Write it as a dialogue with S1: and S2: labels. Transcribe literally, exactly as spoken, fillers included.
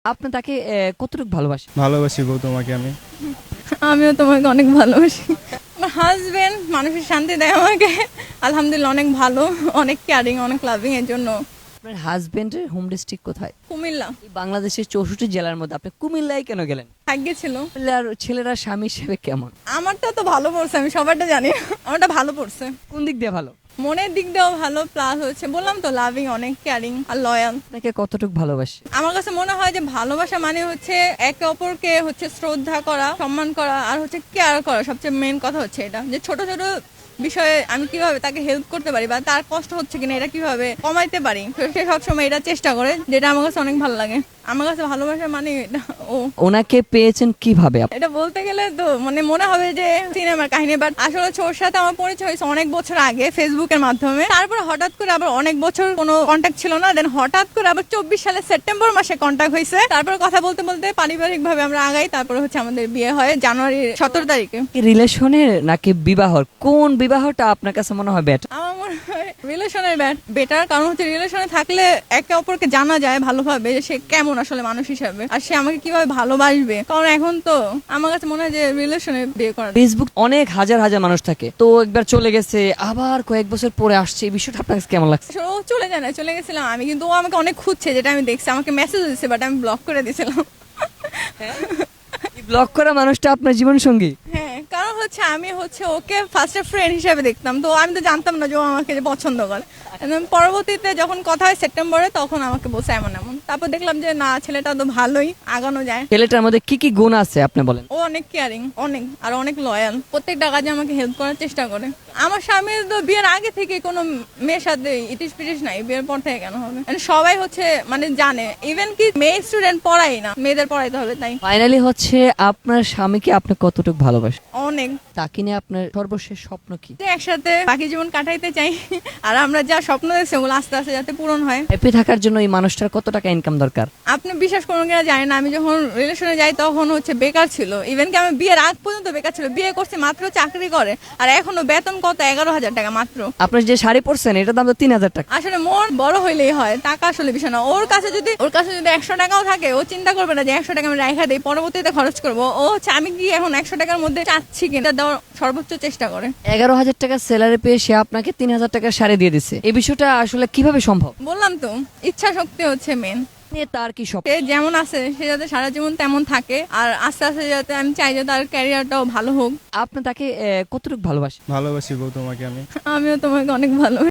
S1: আপনি তাকে আহ, কতটুকু ভালোবাসেন?
S2: ভালোবাসি গো তোমাকে আমি।
S3: আমিও তোমাকে অনেক ভালোবাসি। আমার হাজবেন্ড মানুষের শান্তি দেয় আমাকে, আলহামদুলিল্লাহ অনেক ভালো, অনেক কেয়ারিং, অনেক লাভিং। এর জন্য
S1: আপনার হাজবেন্ডের হোম ডিস্ট্রিক্ট কোথায়?
S3: কুমিল্লা
S1: এই বাংলাদেশের চৌষট্টি জেলার মধ্যে আপনি কুমিল্লায় কেন গেলেন?
S3: ভাগ্যে ছিল।
S1: কুমিল্লার ছেলেরা স্বামী হিসেবে কেমন?
S3: আমারটা তো ভালো পড়ছে, আমি সবারটা জানি, আমারটা ভালো পড়ছে।
S1: কোন দিক দিয়ে ভালো?
S3: মনের দিক দিয়েও ভালো, প্লাস হচ্ছে বললাম তো লাভিং, অনেক কেয়ারিং আর লয়াল।
S1: আপনাকে কতটুকু ভালোবাসে?
S3: আমার কাছে মনে হয় যে ভালোবাসা মানে হচ্ছে একে অপরকে হচ্ছে শ্রদ্ধা করা, সম্মান করা, আর হচ্ছে কেয়ার করা। সবচেয়ে মেন কথা হচ্ছে এটা, যে ছোট ছোট বিষয়ে আমি কিভাবে তাকে হেল্প করতে পারি বা তার কষ্ট হচ্ছে কিনা এটা কিভাবে কমাইতে পারি, তো সে সবসময় এটা চেষ্টা করে, যেটা আমার কাছে অনেক ভালো লাগে। আমার কাছে ভালোবাসা মানে এটা। ও
S1: ওনাকে পেয়েছেন কিভাবে?
S3: এটা বলতে গেলে তো মানে মনে হবে যে সিনেমার কাহিনী, বাট আসলে হচ্ছে ওর সাথে আমার পরিচয় হয়েছে অনেক বছর আগে ফেসবুকের মাধ্যমে। তারপর হঠাৎ করে আবার অনেক বছর কোনো কন্ট্যাক্ট ছিল না, দেন হঠাৎ করে আবার চব্বিশ সালের সেপ্টেম্বর মাসে কন্ট্যাক্ট হয়েছে। তারপর কথা বলতে বলতে পারিবারিক ভাবে আমরা আগাই, তারপর হচ্ছে আমাদের বিয়ে হয় জানুয়ারি সতেরো তারিখে।
S1: রিলেশনের নাকি বিবাহর, কোন বিবাহটা আপনার কাছে মনে হয় বেটার?
S3: আমার মনে হয় রিলেশনের বেটার, কারণ হচ্ছে রিলেশনে থাকলে একে অপরকে জানা যায় ভালোভাবে যে সে কেমন আসলে মানুষ হিসাবে, আর সে আমাকে কিভাবে ভালোবাসবে। কারণ এখন তো আমার কাছে মনে হয় যে রিলেশনে বিয়ে করা।
S1: ফেসবুক অনেক হাজার হাজার মানুষ থাকে, তো একবার চলে গেছে আবার কয়েক বছর পরে আসছে, এই বিষয়টা আপনার কাছে কেমন লাগছে?
S3: আসলে ও চলে যায় না, চলে গেছিলাম আমি, কিন্তু ও আমাকে অনেক খুঁজছে, যেটা আমি দেখছি। আমাকে মেসেজ দিচ্ছে, বাট আমি ব্লক করে দিয়েছিলাম।
S1: ব্লক করা মানুষটা আপনার জীবন সঙ্গী?
S3: হ্যাঁ, কারণ হচ্ছে আমি হচ্ছে ওকে ফার্স্টে ফ্রেন্ড হিসেবে দেখতাম, তো আমি তো জানতাম না যে ও আমাকে যে পছন্দ করে। And then পরবর্তীতে যখন কথা হয় সেপ্টেম্বরে, তখন আমাকে বলছে এমন এমন। তারপর দেখলাম যে না, ছেলেটা তো ভালোই, আগানো যায়।
S1: ছেলেটার মধ্যে কি কি গুণ আছে আপনি বলেন?
S3: ও অনেক কেয়ারিং, অনেক, আর অনেক লয়াল। প্রত্যেকটা কাজে আমাকে হেল্প করার চেষ্টা করে। আমার স্বামীর তো বিয়ের আগে থেকে কোনো মেয়ের সাথে ইটিস পিটিস নাই, বিয়ের পর থেকে কেন হবে? And সবাই হচ্ছে মানে জানে, ইভেন কি মেয়ে স্টুডেন্ট পড়াই না, মেয়েদের পড়াইতে হবে তাই।
S1: ফাইনালি হচ্ছে আপনার স্বামীকে আপনি কতটুকু ভালোবাসেন?
S3: অনেক।
S1: তাকে নিয়ে আপনার সর্বশেষ স্বপ্ন কি?
S3: যে একসাথে বাকি জীবন কাটাইতে চাই, আর আমরা যা স্বপ্ন দেখছি ওগুলো আস্তে আস্তে যাতে পূরণ হয়।
S1: হ্যাপি থাকার জন্য এই মানুষটার কত টাকা ইনকাম দরকার?
S3: আপনি বিশ্বাস করুন কিনা জানি না, আমি যখন রিলেশনে যাই তখন হচ্ছে বেকার ছিল। ইভেন কি আমি বিয়ের আগ পর্যন্ত বেকার ছিল। বিয়ে করছি মাত্র, চাকরি করে, আর এখনো বেতন কত, এগারো হাজার টাকা মাত্র।
S1: আপনার যে শাড়ি পরছেন এটার দাম তো তিন হাজার টাকা।
S3: আসলে মন বড় হইলেই হয়, টাকা আসলে বিষয় না। ওর কাছে যদি ওর কাছে যদি একশো টাকাও থাকে, ও চিন্তা করবে না যে একশো টাকা আমি রাখা দিই, পরবর্তীতে খরচ করবো। ও হচ্ছে আমি কি এখন একশো টাকার মধ্যে চাচ্ছি কিনা দেওয়ার সর্বোচ্চ চেষ্টা করে।
S1: এগারো হাজার টাকা স্যালারি পেয়ে সে আপনাকে তিন হাজার টাকার শাড়ি দিয়ে দিচ্ছে, এই বিষয়টা আসলে কিভাবে সম্ভব?
S3: বললাম তো, ইচ্ছা শক্তি হচ্ছে মেন।
S1: নিয়ে তার কি স্বপ্ন?
S3: সে যেমন আছে সে যাতে সারা জীবন তেমন থাকে, আর আস্তে আস্তে যাতে আমি চাই যে তার ক্যারিয়ারটাও ভালো হোক।
S1: আপনি তাকে আহ, কতটুকু ভালোবাসেন?
S2: ভালোবাসি গো তোমাকে আমি।
S3: আমিও তোমাকে অনেক ভালো